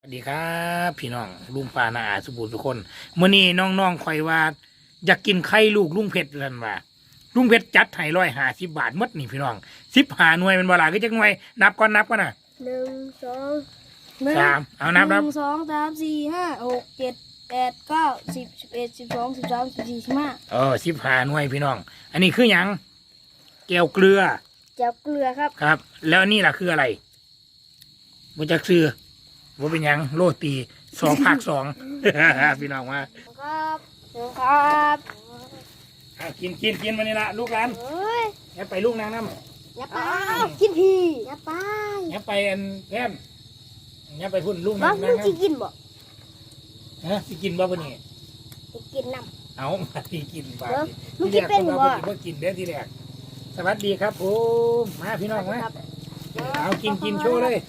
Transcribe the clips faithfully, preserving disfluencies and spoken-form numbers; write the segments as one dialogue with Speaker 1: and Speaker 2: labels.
Speaker 1: สวัสดีครับพี่น้องลุงปานาอาสุบูรณ์ทุกคนมื้อนี้น้องๆคอยว่าอยากกินไข่ลูกลุงเพชรนั่นว่าลุงเพชรจัดให้ร้อยห้าสิบบาทหมดนี่พี่น้องสิบห้าหน่วยเป็นเวลาก็จักหน่วยนับก่อนนับก่อนนะ
Speaker 2: หนึ่งสอง
Speaker 1: สามเอานับ
Speaker 2: ห
Speaker 1: นับ
Speaker 2: นึ่งสองสามสี่ห้าหกเจ็ดแปดเก้าสิบสิบเอ็ดสิบสองสิบสามสิบสี่สิบห้า
Speaker 1: เออสิบห้าหน่วยพี่น้อง อันนี้คือหยังแก้วเกลือ
Speaker 2: เจ้าเกลือครับ
Speaker 1: ครับ แล้วอันนี่ล่ะคืออะไรบ่จักซื้อบ่เป็นหยังโรตีสองภาคสอง พี่น้องว่า
Speaker 2: ครับครับ
Speaker 1: อ่ะกินกินกินมานี่ละลูกหลาน
Speaker 2: เฮ้ย
Speaker 1: อย่าไปลูกนางน้ำ
Speaker 2: อย่าไปกินทีอย่าไป
Speaker 1: อย่าไปอันแก้มอย่าไปพุ่นลูก
Speaker 2: บ้า
Speaker 1: นั่ง
Speaker 2: มึ
Speaker 1: นั่
Speaker 2: ง
Speaker 1: ง
Speaker 2: จะกินบ่
Speaker 1: ฮะสิกินบ่ปะนี่
Speaker 2: จะกินน้
Speaker 1: เอามาที่กินบ่า
Speaker 2: เออ
Speaker 1: ที่
Speaker 2: มึงกินเป็นบ่
Speaker 1: บ่บ่กินเด้อทีแรกสวัสดีครับผมมาพี่น้อง
Speaker 2: ำ
Speaker 1: มา
Speaker 2: ครับ
Speaker 1: เอากินกินโชว์เลย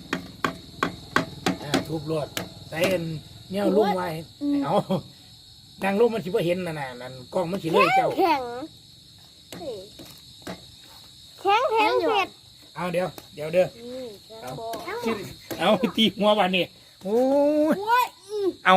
Speaker 1: อ่าทุบรวดใส่อันเนี่ยลุ่มไว้เอานางลุ่มมันสิบ่เห็นน่ะน่ะนั่นกล้องมันสิเลยเจ้า
Speaker 2: แข็งแข็งแข็งเผ็ด
Speaker 1: เอาเดี๋ยวเดี๋ยวเด้อ
Speaker 2: นี่แข็ง
Speaker 1: เอา
Speaker 2: บ่
Speaker 1: เอาตีหัววันนี้โอ้ย
Speaker 2: โอ้ยอืม
Speaker 1: เอา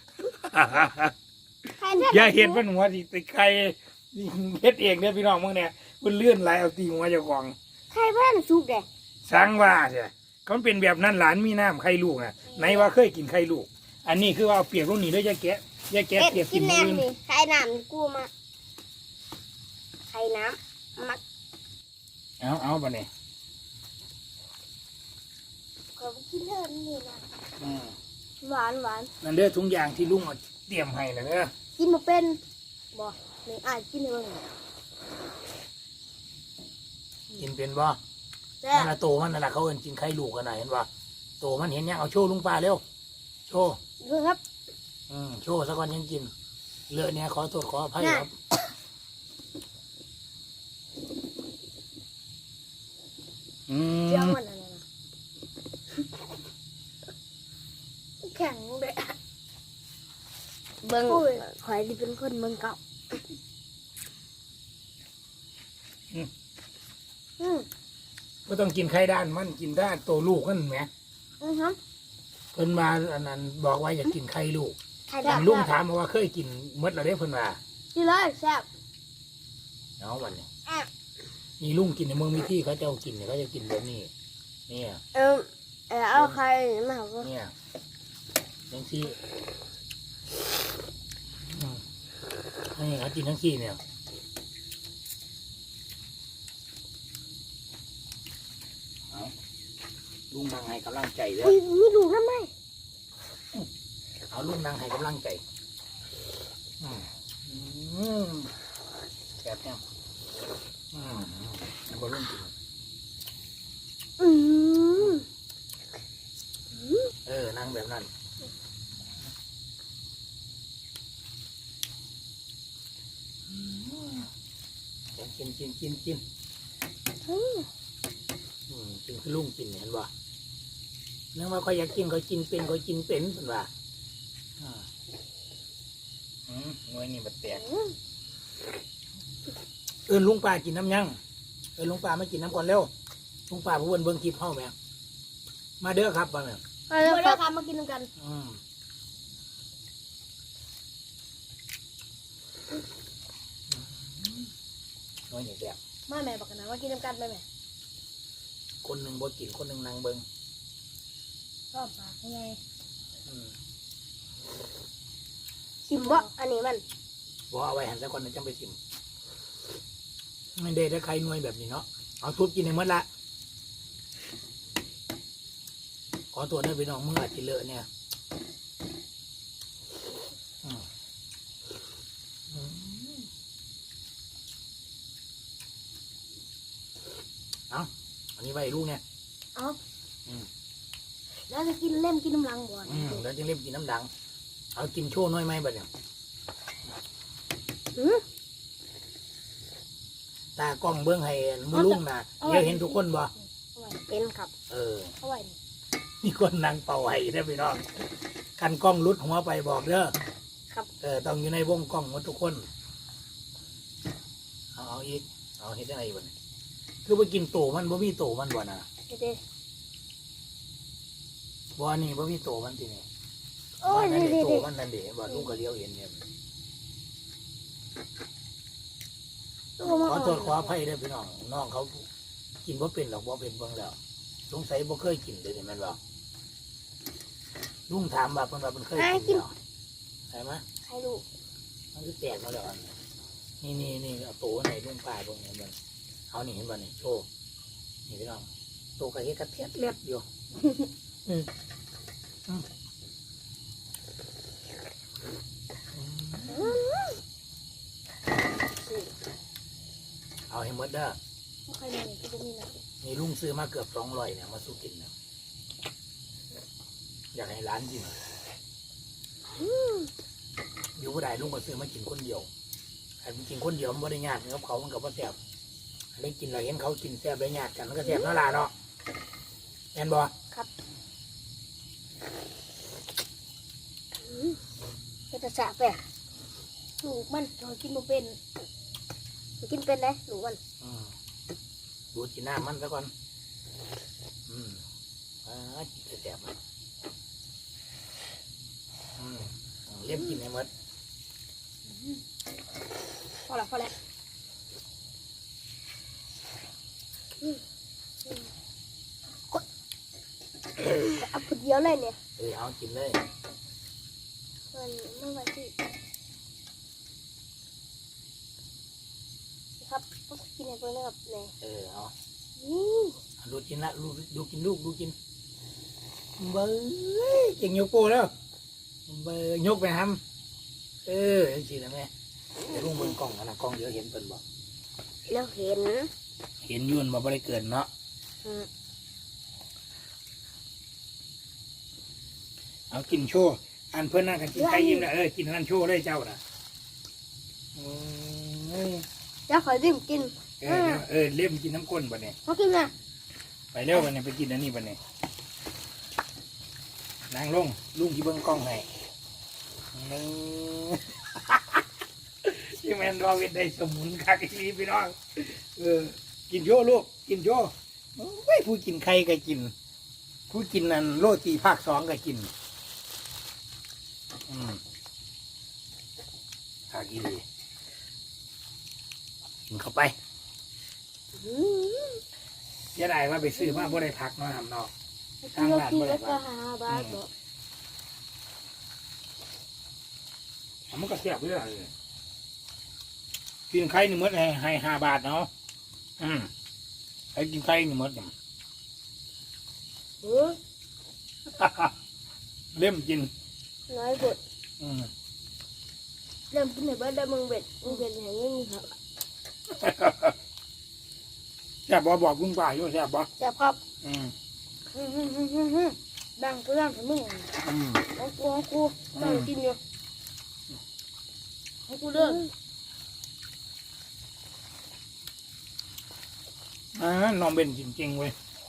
Speaker 2: ใครจะ
Speaker 1: อย่าเห็นมันหัวสิติใครเฮ็ดเองเนี่ยพี่น้องมึงเนี่ยมันเลื่อนไหลเอาตีหัวเจ้าของ
Speaker 2: ใครเพื่อนสุกเด้
Speaker 1: สร้างว่าใช่เขาเป็นแบบนั้นหลานมีน้ำไข่ลูกน่ะไหนว่าเคยกินไข่ลูก อันนี้คือว่าเอาเปียกลูกหนีด้วยยาแกะยาแกะ
Speaker 2: เอ็ด
Speaker 1: เปียก
Speaker 2: กิ
Speaker 1: กิ
Speaker 2: น
Speaker 1: น
Speaker 2: แหน
Speaker 1: มื
Speaker 2: ม
Speaker 1: อ
Speaker 2: นี่ไข่น้ำกูมาไข่น้ำมัก
Speaker 1: เอาเอาบ่เนี่ย
Speaker 2: ก็กินเท่านี้นะ
Speaker 1: อืม
Speaker 2: หวานหวาน
Speaker 1: นั่นเด้อทุกอย่างที่ลุงเอาเตรียมให้นะเด้อ
Speaker 2: กินมาเป็นบ่นี่อ่านกินเลย
Speaker 1: กินเป็นบ่
Speaker 2: แซ่
Speaker 1: นั่นละโตมันนั่นละเขาเอิ้นกินไข่ลูกกันน่ะเห็นบ่โตมันเห็นยังเอาโชว์ลุงปลาเร็วโชว์
Speaker 2: ดูครับ
Speaker 1: อืมโชว์ซะก่อนยังกินเลอะเนี่ยขอโทษขออภัยครับอืม
Speaker 2: เจ้ามันอะไรนะแข็งเลยเบิ้งข่อยที่เป็นคนเมืองเก่าอืม
Speaker 1: ก็ต้องกินไข่ด้านมันกินด้านโตลูกนั่นแหม
Speaker 2: อือฮะ
Speaker 1: เพิ่นมาอันนั้นบอกว่าอยากกินไข่ลูก
Speaker 2: ไข่
Speaker 1: อั
Speaker 2: ดาน ว
Speaker 1: ลุงถามมาว่าเคยกินเมื่อไรเด้เพิ่นว่า
Speaker 2: กินเลยแซ่บ
Speaker 1: เอาวันนี้
Speaker 2: อ่ะ
Speaker 1: นี่ลุงกินในเมืองมีที่เขาเจ้ากินเนี่ยเขาจะกินแบบนี้เนี่ย
Speaker 2: เออเออเอาไข่มาเอา
Speaker 1: เนี่ยทั้งที่อืมนี่เขากินทั้งที่เนี่ยเอาลุงนั่งให้กำลังใจเด้อ
Speaker 2: อุ้ยมีดูน้ำไหม
Speaker 1: เอาลุงนั่งให้กำลังใจอืมอืมแบบเนี้ยอืมแล้วก็ลุงกิน
Speaker 2: อืม
Speaker 1: เออ นั่งแบบนั้นกินกินกินกิน
Speaker 2: อืม
Speaker 1: อืมกินคือลุงกินเห็นบ่เนื่องว่าก็อยากกินก็กินเป็นก็กินเป็นเป็นว่าอ่าอืมงวยนี่มันแตก
Speaker 2: อืม
Speaker 1: เอินลุงป่ากินน้ำยังเอินลุงป่ามากินน้ำก่อนเร็วลุงป่าผู้เบิ่นเบิ่งคลิปเฮาแม่มาเด้อครับบ่าแม่
Speaker 2: เอาเลยครับมากินกัน
Speaker 1: อืมงวยนี่แตก
Speaker 2: มาแม่บอกกันนะว่ากินกันไปแม่
Speaker 1: คนหนึ่งบ่กินคนหนึ่งนั่งเบิ่ง
Speaker 2: ชอบปากยังไง
Speaker 1: อืม
Speaker 2: ชิมบ่อันนี้มัน
Speaker 1: บ่เอาไว้หันสักคนหนึงจังไปชิมไม่ได้ถ้าใครหน่วยแบบนี้เนาะเอาทุบกินให้หมดละขอตัวได้ไปน้องมึงอาจจะเลอะเนี่ยอืมอืมเอาอันนี้ไว้ให้ลูกเนี่ย
Speaker 2: เอาแล้วจะกินเล่มกินน้ำลังบ่อน
Speaker 1: อืมแล้วจึงเรียบกินน้ำดัง เอากินโชว์น้อยไหมบัดเนี่ย
Speaker 2: อืม
Speaker 1: ตากล้องเบื้องให้มือลุงนะเดี๋ยวเห็นทุกคนบ่
Speaker 2: เอาไว้เป็นครับ
Speaker 1: เออ
Speaker 2: เอาไว้นี่
Speaker 1: มีคนนั่งเป่าไห้ได้อพี่น้องกันกล้องรุดหัวไปบอกเด้อ
Speaker 2: ครับ
Speaker 1: เออต้องอยู่ในวงกล้องหมดทุกคน เอาเอาอีก เอาเห็นได้ไงบ่เนี่ยคือไปกินโตมันบ่มีโตมันบ่นะ
Speaker 2: เด็ด
Speaker 1: บ่นี่บ่มีโตมันทีนี่
Speaker 2: โอ้ย
Speaker 1: มันนั่น
Speaker 2: นี่
Speaker 1: เด้
Speaker 2: นี่
Speaker 1: โตมันนั่นเด้บ่ลุงก็เลี้ยวเห็นเนี่ย
Speaker 2: ตัวมา
Speaker 1: ขอโทษขออภัยเด้อพี่น้องน้องเขากินบ่เป็นหรอกบ่เป็นเบิ่งแล้วสงสัยบ่เคยกินเด้อนี่แม่นบ่ลุงถามว่าเพิ่นว่าเพิ่นเคยกินแล้วใช่ไหม
Speaker 2: ใครลูก
Speaker 1: มันคือแตกมาแล้วอันนี่นี่นี่เอาโตไหนลุงป้าเบิ่งเห็นบ่เอานี่เห็นบ่นี่โชว์นี่พี่น้องโตกะเฮ็ดกระเทียดเล็บอยู่อืมอืมเอาให้หมดเด้อ
Speaker 2: ไม่เคยมีก็จะมีหนัก
Speaker 1: นี่ลุงซื้อมาเกือบสองร้อยเนี่ยมาสู้กินเนี่ยอยากให้ร้านกินอยู่ผู้ใดลุงก็ซื้อมากินคนเดียวแต่กินคนเดียวมันไม่ได้ยากนะครับเขามันกับว่าแซ่บได้กินเราเห็นเขากินแซ่บได้ยากกันมันก็แซ่บน่ารักเนาะแอนบอ
Speaker 2: ครับเป็นตาสะแปะลูกมันเรากินมาเป็นกินเป็นเลยลูกมัน
Speaker 1: อืมดูดกินน้ำมันซะก่อนอืมอ่ากินแซ่บมันอืมเลี้ยงกินให้หมด
Speaker 2: พอละพอละเอาคนเดียวเลยเนี่ย
Speaker 1: เออเอากินเลย
Speaker 2: มันไม่ไหวที่ครับต้องกินอะไรนะครับเนี่ย
Speaker 1: เออเอา
Speaker 2: อืม
Speaker 1: ดูกินละดูดูกินลูกดูกินเบอร์เก่งยกโป้แล้วเบอร์ยกไปทำเออเห็นสิแล้วแม่เดี๋ยวลุงเบิ่งกล้องกันนะกล้องเดี๋ยวเห็นเปิ่นบอก
Speaker 2: แล้วเห็น
Speaker 1: เห็นอยุ่นมาบ่ได้เกินเนาะ
Speaker 2: อืม
Speaker 1: เอากินโชว์อันเพื่อนนั่งกันกินไก่ยิ้มนะเออกินอันนั้นโชว์เลยเจ้าน่ะอืม
Speaker 2: แล้วขอดื่มกิน
Speaker 1: เออเออเล่มกินน้ำก้นบ่เนี่ย
Speaker 2: เขากินนะ
Speaker 1: ไปเร็วบ่เนี่ยไปกินอันนี้บ่เนี่ยนางลงลุงที่เบิ่งกล้องให้นี่ ที่แมนรอเวทได้สมุนคักอีนี้พี่น้องเออกินโชว์ลูกกินโชว์ไม่ผู้กินไข่ก็กิน ผู้กินนั่นโรตีภาคสองก็กินอืมคักอีนีกินเข้าไป
Speaker 2: อืม
Speaker 1: อย่าได้ว่าไปซื้อมาบ่ได้พักเนาะทำเนาะ
Speaker 2: กินแล้วกินแล้วก็หาบาทบอก
Speaker 1: มันก็เสียบด้วยเลยกินไข่หนึ่งมื้อให้ให้ห้าบาทเนาะอืมให้กินไข่หนึ่งมื้อเนี่ย
Speaker 2: เออ
Speaker 1: เล่มกิน
Speaker 2: น้อยบด
Speaker 1: อืม
Speaker 2: เริ่มกินในบ้านได้มึงเบ็ดมึงเบ็ดอย่างนี้ครับ
Speaker 1: แซ่บบ่บอกลุงป้าอยู่แซ่บบ่
Speaker 2: แต่ครับ
Speaker 1: อืม
Speaker 2: อืมอืมอืมอืมอืมดังก็ดังแต่มึง
Speaker 1: อืม
Speaker 2: ของกูของกูต้องกินอยู่ของกูเด้อ
Speaker 1: อ่าน้องเบนจริงๆเว้ย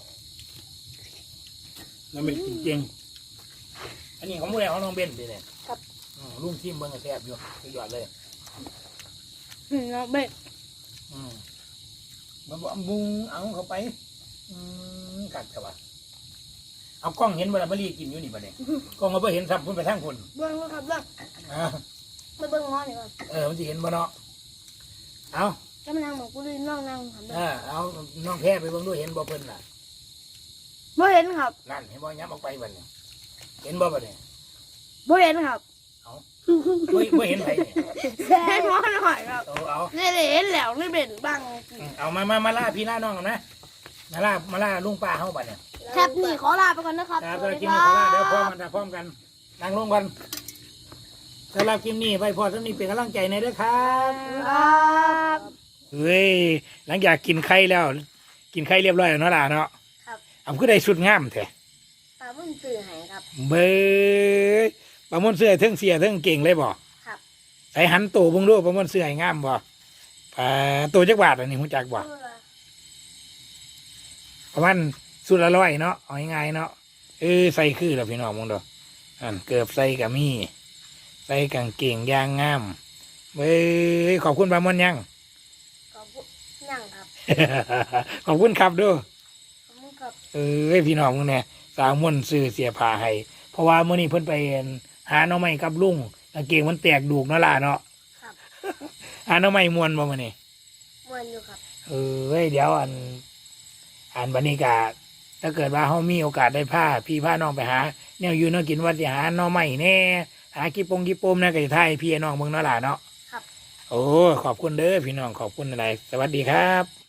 Speaker 1: น้องเบนจริงๆอันนี้ของผู้ใดของน้องเบนดิเนี่ย
Speaker 2: ครับ
Speaker 1: อืมลุงทิมเบิ่งก็แซ่บอยู่สุดยอดเลย
Speaker 2: อืมน้องเบ็ด
Speaker 1: อืมมันบอกบุงเอาเข้าไป อืมกัดเข้าไปเอากล้องเห็นเวลามารีกินอยู่นี่ปะเนี่ยกล้องมาเพื่อเห็นซ้ำพุ่นไปทั้งคน
Speaker 2: เบิ้งว่าครับเบิ้ง
Speaker 1: อ่า
Speaker 2: ไม่เบิ้งง้อนี่ครับ
Speaker 1: เออมันจะเห็นบ่เนาะเอา
Speaker 2: ก็มานั่งหมองกูเลยน้องนั่งทำได้
Speaker 1: เออเอาน้องแพ้ไปเบิ่งด้วยเห็นบ่เพิ่นน่ะ
Speaker 2: บ่เห็นครับ
Speaker 1: นั่นเห็นบ่ย้ำออกไปบัดเนี่ยเห็นบ่บัดเนี่ย
Speaker 2: บ่เห็นครับ
Speaker 1: บ่บ่เห็นไผเนี่ย
Speaker 2: เห็นง้อหน่อยครับ
Speaker 1: เอาเอา
Speaker 2: นี่เลยเห็นแล้วนี่เป็นบ้าง
Speaker 1: อืมเอามามามาล่าพี่ล่าน้องกันนะมาล่ามาล่าลุงป้าเฮาบัดเนี่ย
Speaker 2: ครับนี่ขอลาไปก่อนนะครับ
Speaker 1: ครับสำหรับคลิปนี้ขอลาเดี๋ยวพร้อมกันนะพร้อมกันนั่งลงกันสำหรับคลิปนี้ไปพอสำนี้เป็นกำลังใจในเด้อครับ
Speaker 2: ครับ
Speaker 1: เฮ้ยหลังจากกินไข่แล้ว กินไข่เรียบร้อยแล้วเนาะล่ะเนาะ
Speaker 2: ครับ
Speaker 1: เอาคือได้สุดงามแท้
Speaker 2: ตามึงตื่นหายครับ
Speaker 1: เบ้ยปลาหมอนเสื้อเทิงเสียเทิงเก่งเลยบ่
Speaker 2: ครับ
Speaker 1: ใส่หันโตเบิ่งดูปลาหมอนเสื้อให้งามบ่ปลาโตจักบาทอันนี้ฮู้จักบ่ประมาณสุดละร้อยเนาะเอาง่ายๆเนาะเออใส่คือแล้วพี่น้องมองดูอันเกือบใส่ก็มีใส่กางเกงยางงามเบ้ยขอบคุณปลาหมอนยัง
Speaker 2: ขอบคุณนั่งครับ
Speaker 1: ขอบคุณครับเด้วย
Speaker 2: ขอบคุณครับ
Speaker 1: เออพี่น้องมึงเนี่ยสาวม่วนซื้อเสียผ้าให้เพราะว่ามื้อนี้เพิ่นไปหาหน่อไม้กับลุงกางเกงมันแตกดูกเนาะล่ะเนาะ
Speaker 2: ครับ
Speaker 1: หาหน่อไม้ม่วนบ่มื้อนี้
Speaker 2: มวนอยู่ครับ
Speaker 1: เออเว้ยเดี๋ยวอันอันบรรยากาศถ้าเกิดว่าเขามีโอกาสได้พาพี่พาน้องไปหาแนวอยู่เนาะกินว่าสิหาหน่อไม้แน่หากี่ปงกี่ปมนะก็จะไทยพี่น้องเมืองเนาะล่ะเนาะ
Speaker 2: ครับ
Speaker 1: โอ้ขอบคุณเด้อพี่น้องขอบคุณอะไรสวัสดีครับ